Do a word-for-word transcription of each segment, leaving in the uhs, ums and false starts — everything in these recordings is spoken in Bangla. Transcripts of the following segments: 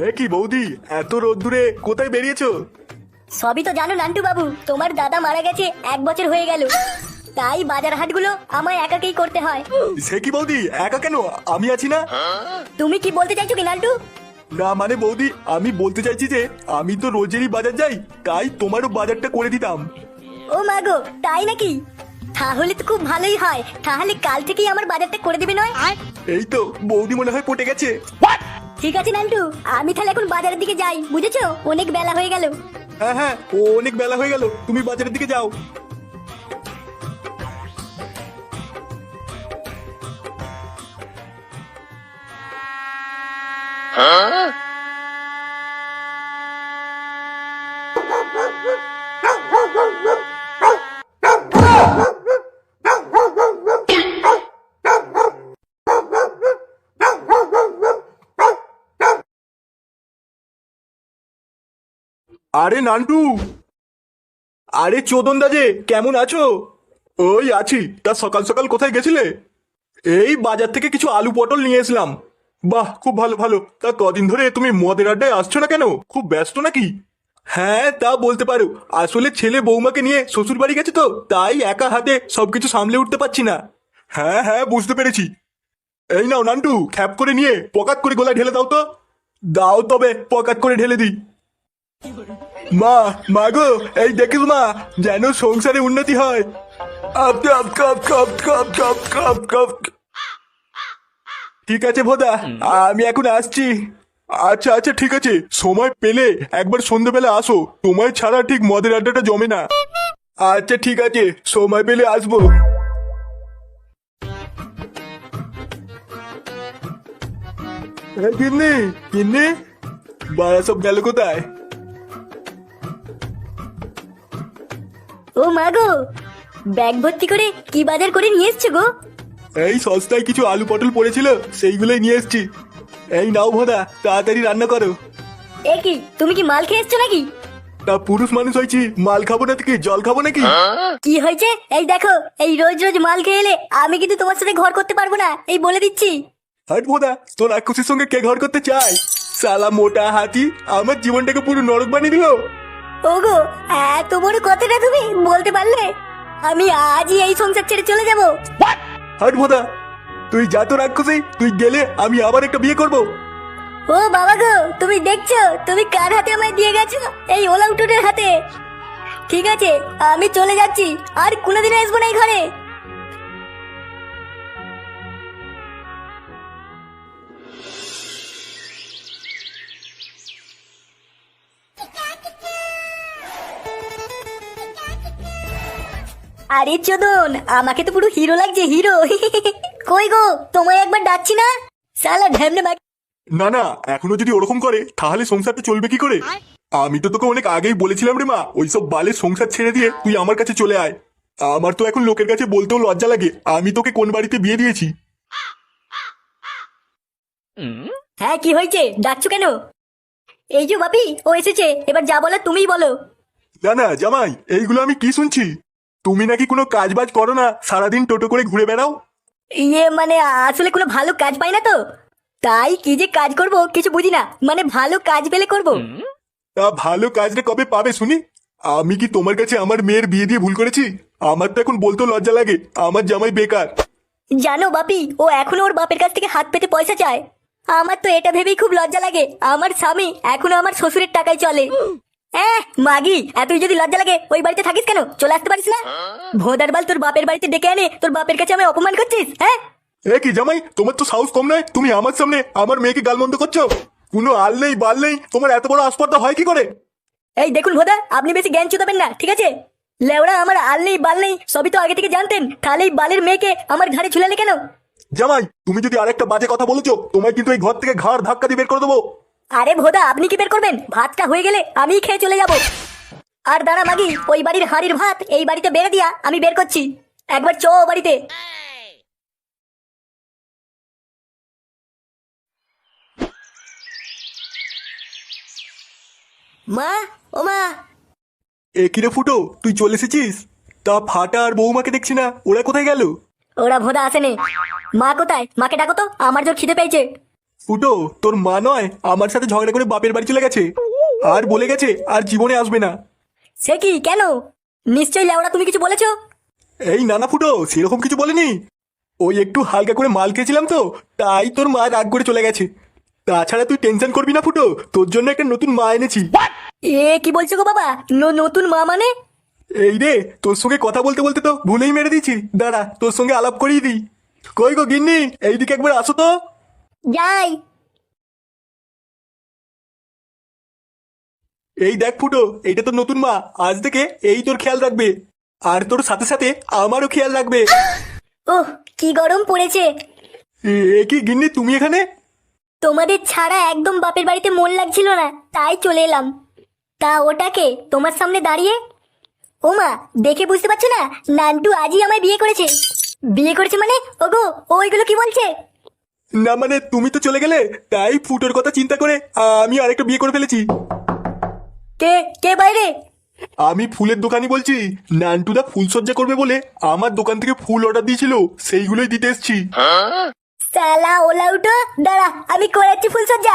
এ কি বৌদি, এত রোদ্দুরে কোথায় বেরিয়েছো? সবই তো জানো নান্টু বাবু, তোমার দাদা মারা গেছে এক বছর হয়ে গেল, তাই বাজার হাটগুলো আমায় একাকেই করতে হয়। সে কি বৌদি, একা কেন? আমি আছি না। তুমি কি বলতে চাইছো কি নান্টু? না মানে বৌদি, আমি বলতে চাইছি যে আমি তো রোজেরই বাজার যাই, তাই তোমারও বাজারটা করে দিতাম। ও মাগো, তাই নাকি? তাহলে তো খুব ভালোই হয়, তাহলে কাল থেকেই আমার বাজারটা করে দিবে নয়? এই তো বৌদি মনে হয় পটে গেছে। ঠিক আছে নান্টু, আমি তাহলে এখন বাজারের দিকে যাই, বুঝেছো? অনেক বেলা হয়ে গেল। হ্যাঁ হ্যাঁ, ও অনেক বেলা হয়ে গেল, তুমি বাজারের দিকে যাও। আরে নান্টু, আরে চোদন দাজে, কেমন আছো? ওই আছি। তা সকাল সকাল কোথায় গেছিলে? এই বাজার থেকে কিছু আলু পটল নিয়ে এসলাম। বাহ, খুব ভালো ভালো। তা কদিন ধরে তুমি মদের আড্ডায় আসছো না কেন? খুব ব্যস্ত নাকি? হ্যাঁ তা বলতে পারো, আসলে ছেলে বৌমাকে নিয়ে শ্বশুর বাড়ি গেছে তো, তাই একা হাতে সবকিছু সামলে উঠতে পারছি না। হ্যাঁ হ্যাঁ, বুঝতে পেরেছি। এই নাও নান্টু, খ্যাপ করে নিয়ে পকাত করে গোলায় ঢেলে দাও তো। দাও তবে, পকাত করে ঢেলে দিই। মা, মা গো, এই দেখিস মা, যেন সংসারে উন্নতি হয়। আপ কাপ কাপ কাপ কাপ কাপ কাপ কাপ। ঠিক আছে ভোদা, আমি এখন আসছি। আচ্ছা আচ্ছা ঠিক আছে, সময় পেলে একবার সন্ধ্যেবেলা আসো, তোমায় ছাড়া ঠিক মদের আড্ডাটা জমে না। আচ্ছা ঠিক আছে, সময় পেলে আসবো। কিন্নি কিন্নি, বাড়া সব গেল কোথায়? ও মাগো, ব্যাগ ভর্তি করে কি বাজার করে নিয়ে এসছো গো? এই সস্তায় কিছু আলু পটল পড়েছিল, সেইগুলোই নিয়ে এসছি। এই নাও ভোদা, তাড়াতাড়ি রান্না করো। এ কি, তুমি কি মাল খেয়ে এসছো নাকি? তা পুরুষ মানুষ হয়েছি, মাল খাবো না কি জল খাবো নাকি? কি হয়েছে? এই দেখো, এই রোজ রোজ মাল খেয়ে এলে আমি কিন্তু তোমার সাথে ঘর করতে পারবো না, এই বলে দিচ্ছি। হাট ভোদা, তোর রাক্ষসীর সঙ্গে কে ঘর করতে চায়? সালা মোটা হাতি আমার জীবনটাকে পুরো নরক বানিয়ে দিল। ওগো, এত বড় কথাটা তুমি বলতে পারলে? আমি আজই এই সংসার ছেড়ে চলে যাব। হাট ভোদা, তুই যা তো রাক্ষসী, তুই গেলে আমি আবার একটা বিয়ে করব। ও বাবা গো, তুমি দেখছো তুমি কার হাতে আমায় দিয়ে গেছো? এই ওলা উঠোনের হাতে। ঠিক আছে, আমি চলে যাচ্ছি, আর কোনোদিনও আসবো না এই ঘরে। আরে চোদন, আমাকে তো পুরো হিরো লাগছে, হিরো। কই গো, তোমায় একবার ডাকছি না? শালা ঢ্যামনে বাকি। না না, এখনো যদি ওরকম করে তাহলে সংসারটা চলবে কি করে? আমি তো তোকে অনেক আগেই বলেছিলাম রে মা, ওইসব বালের সংসার ছেড়ে দিয়ে তুই আমার কাছে চলে আয়। আমার তো এখন লোকের কাছে বলতেও লজ্জা লাগে আমি তোকে কোন বাড়িতে বিয়ে দিয়েছি। হ্যাঁ, কি হয়েছে, ডাকছো কেন? এই যে বাপি, ও এসেছে, এবার যা বলো তুমিই বলো। না না জামাই, এইগুলো আমি কি শুনছি? তুমি নাকি কোনো কাজ বাজ করো না, সারাদিন টোটো করে ঘুরে বেড়াও। ইয়ে মানে, আসলে কোনো ভালো কাজ পাই না তো, তাই কি যে কাজ করব কিছু বুঝি না, মানে ভালো কাজ পেলে করব। তা ভালো কাজটা কবে পাবে শুনি? আমি কি তোমার কাছে আমার মেয়ের বিয়ে দিয়ে ভুল করেছি? আমার তো এখন বলতেও লজ্জা লাগে আমার জামাই বেকার। জানো বাপি, ও এখনো ওর বাপের কাছ থেকে হাত পেতে পয়সা চায়। আমার তো এটা ভেবেই খুব লজ্জা লাগে, আমার স্বামী এখনো আমার শ্বশুরের টাকায় চলে। হ্যাঁ মাগি, এতই যদি লজ্জা লাগে ওই বাড়িতে থাকিস কেন? চলে আসতে পারিস না? ভোদার বাল, তোর বাপের বাড়িতে ডেকে আনে তোর বাপের কাছে আমি অপমান করছিস? হ্যাঁ এ কি জামাই, তোমার তো সাহস কম নয়, তুমি আমার সামনে আমার মেয়েকে গালমন্দ করছো? কোনো আল নেই বাল নেই, তোমার এত বড় আসপর্দা হয় কি করে? এই দেখুন ভোদা, আপনি বেশি জ্ঞান চুদাবেন না, ঠিক আছে? লেওড়া, আমার আল নেই বাল নেই সবই তো আগে থেকে জানতেন, তাহলে এই বালের মেয়েকে আমার ঘাড়ে ঝুলালে কেন? জামাই, তুমি যদি আরেকটা বাজে কথা বলেছো, তোমায় কিন্তু এই ঘর থেকে ঘাড় ধাক্কা দিয়ে বের করে দেবো। আরে ভোদা, আপনি কি বের করবেন? ভাতটা হয়ে গেলে আমি খেয়ে চলে যাব। আর দাঁড়া মাগি, ওই বাড়ির হাঁড়ির ভাত এই বাড়িতে বেড়ে দিয়া আমি বের করছি, একবার চ ও বাড়িতে। মা, ও মা। এ কিরে ফুটো, তুই চলে এসেছিস? তা ফাটা আর বৌমাকে দেখছি না, ওরা কোথায় গেল? ওরা ভোদা আসেনি। মা কোথায়? মাকে ডাকো তো, আমার জোর খিদে পেয়েছে। ফুটো, তোর মা নয় আমার সাথে ঝগড়া করে বাপের বাড়ি চলে গেছে, আর বলে গেছে আর জীবনে আসবে না। সে কি, কেন? নিশ্চয়ই লেওড়া তুমি কিছু বলেছো। এই না না ফুটো, সেরকম কিছু বলিনি। ওই একটু হালকা করে মাল খেয়েছিলাম তো, তাই তোর মা রাগ করে চলে গেছে। তাছাড়া তুই টেনশন করবি না ফুটো, তোর জন্য একটা নতুন মা এনেছি। এ কি বলছো গো বাবা? ন- নতুন মা মানে? এই রে, তোর সঙ্গে কথা বলতে বলতে তো ভুলেই মেরে দিয়েছি, দাঁড়া তোর সঙ্গে আলাপ করিয়ে দিই। কই গো গিন্নি, এইদিকে একবার আসো তো। যাই। এই দেখ ফুটো, এইটা তোর নতুন মা, আজ থেকে এই তোর খেয়াল রাখবে, আর তোর সাথে সাথে আমারও খেয়াল রাখবে। ওহ, কি গরম পড়েছে। এ এ কি গিন্নি, তুমি এখানে? তোমাদের ছাড়া একদম বাপের বাড়িতে মন লাগছিল না, তাই চলে এলাম। তা ওটাকে তোমার সামনে দাঁড়িয়ে? ওমা, দেখে বুঝতে পারছো না, নান্টু আজই আমায় বিয়ে করেছে। বিয়ে করেছে মানে? ওগো, ও ওইগুলো কি বলছে? না মানে তুমি তো চলে গেলে, তাই ফুটোর কথা চিন্তা করে আমি আরেকটা বিয়ে করে ফেলেছি। কে কে বাইরে? আমি ফুলের দোকানি বলছি। নান্টুদা ফুল সজ্জা করবে বলে আমার দোকান থেকে ফুল অর্ডার দিয়েছিল, সেইগুলোই দিতে এসছি। সালা ওলা উঠো, দাঁড়া আমি করেছি ফুলসজ্জা।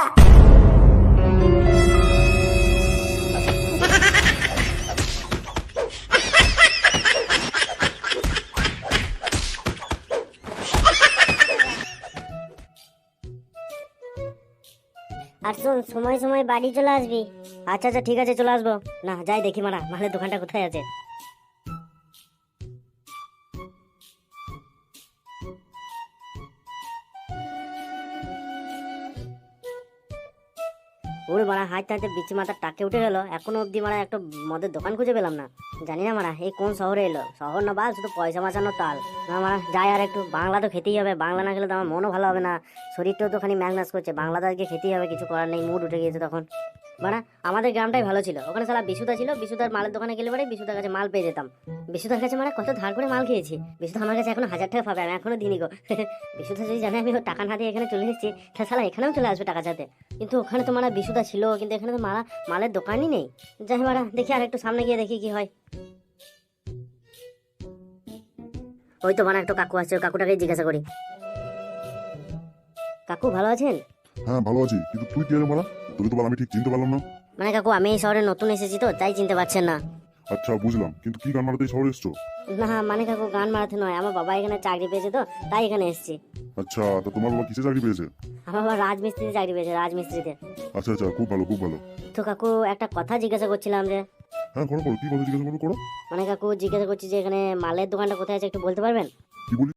আর শোন, সময় সময় বাড়ি চলে আসবি। আচ্ছা আচ্ছা ঠিক আছে, চলে আসবো। না যাই দেখি মারা, মালের দোকানটা কোথায় আছে। ওরে মারা, হাঁটতে হাঁটতে বিচি মাথার টাকে উঠে গেল, এখনো অব্দি মারা একটা মদের দোকান খুঁজে পেলাম না। জানি না মারা এই কোন শহরে এলো, শহর না বাল, শুধু পয়সা বাঁচানোর তাল। না মারা যাই, আর একটু বাংলা তো খেতেই হবে, বাংলা না খেলে তো আমার মনও ভালো হবে না, শরীরটাও তো খানি ম্যাগনাস করছে, বাংলা তো আজকে খেতেই হবে, কিছু করার নেই, মুড উঠে গিয়েছে তখন। মারা আমাদের গ্রামটাই ভালো ছিল, ওখানে সালা বিশুদা ছিল, বিশুদার মালের দোকানে গেলে পরে বিশুদার কাছে মাল পেয়ে যেতাম। বিশুদার কাছে মারা কত ধার করে মাল খেয়েছি, বিশুদা আমার কাছে এখনো হাজার টাকা পাবে, আমি এখনো দিনই গো। বিশুদা যদি জানে আমি ওর টাকা না দিয়ে এখানে চলে এসেছি, তাহলে সালা এখানেও চলে আসবে টাকা চাতে। কিন্তু ওখানে তো মারা বিশুদা ছিল, কিন্তু এখানে তো মারা মালের দোকানই নেই। যাই মারা দেখি, আর একটু সামনে গিয়ে দেখি কি হয়। ওই তো মারা একটু কাকু আসছে, ওই কাকুটাকে জিজ্ঞাসা করি। কাকু ভালো আছেন? হ্যাঁ ভালো আছি, কিন্তু তুই কে রে মারা? তোকে তো বল, আমি ঠিক চিনতে পারলাম না। মানে কাকু আমি এই শহরে নতুন এসেছি তো, তাই চিনতে পারছেন না। আচ্ছা বুঝলাম, কিন্তু কি গান মারাতে এই শহরে এসছো? না মানে কাকু গান মারাতে নয়, আমার বাবা এখানে চাকরি পেয়েছে তো, তাই এখানে এসেছি। আচ্ছা, তা তোমার বাবা কিসে চাকরি পেয়েছে? আমার বাবা রাজমিস্ত্রিতে চাকরি পেয়েছে, রাজমিস্ত্রিতে। আচ্ছা আচ্ছা, খুব ভালো খুব ভালো। তো কাকু একটা কথা জিজ্ঞাসা করছিলাম যে, হ্যাঁ করো করো, কি কথা জিজ্ঞাসা করো করো। মানে কাকু জিজ্ঞাসা করছি যে এখানে মালের দোকানটা কোথায় আছে, একটু বলতে পারবেন? কি বলি?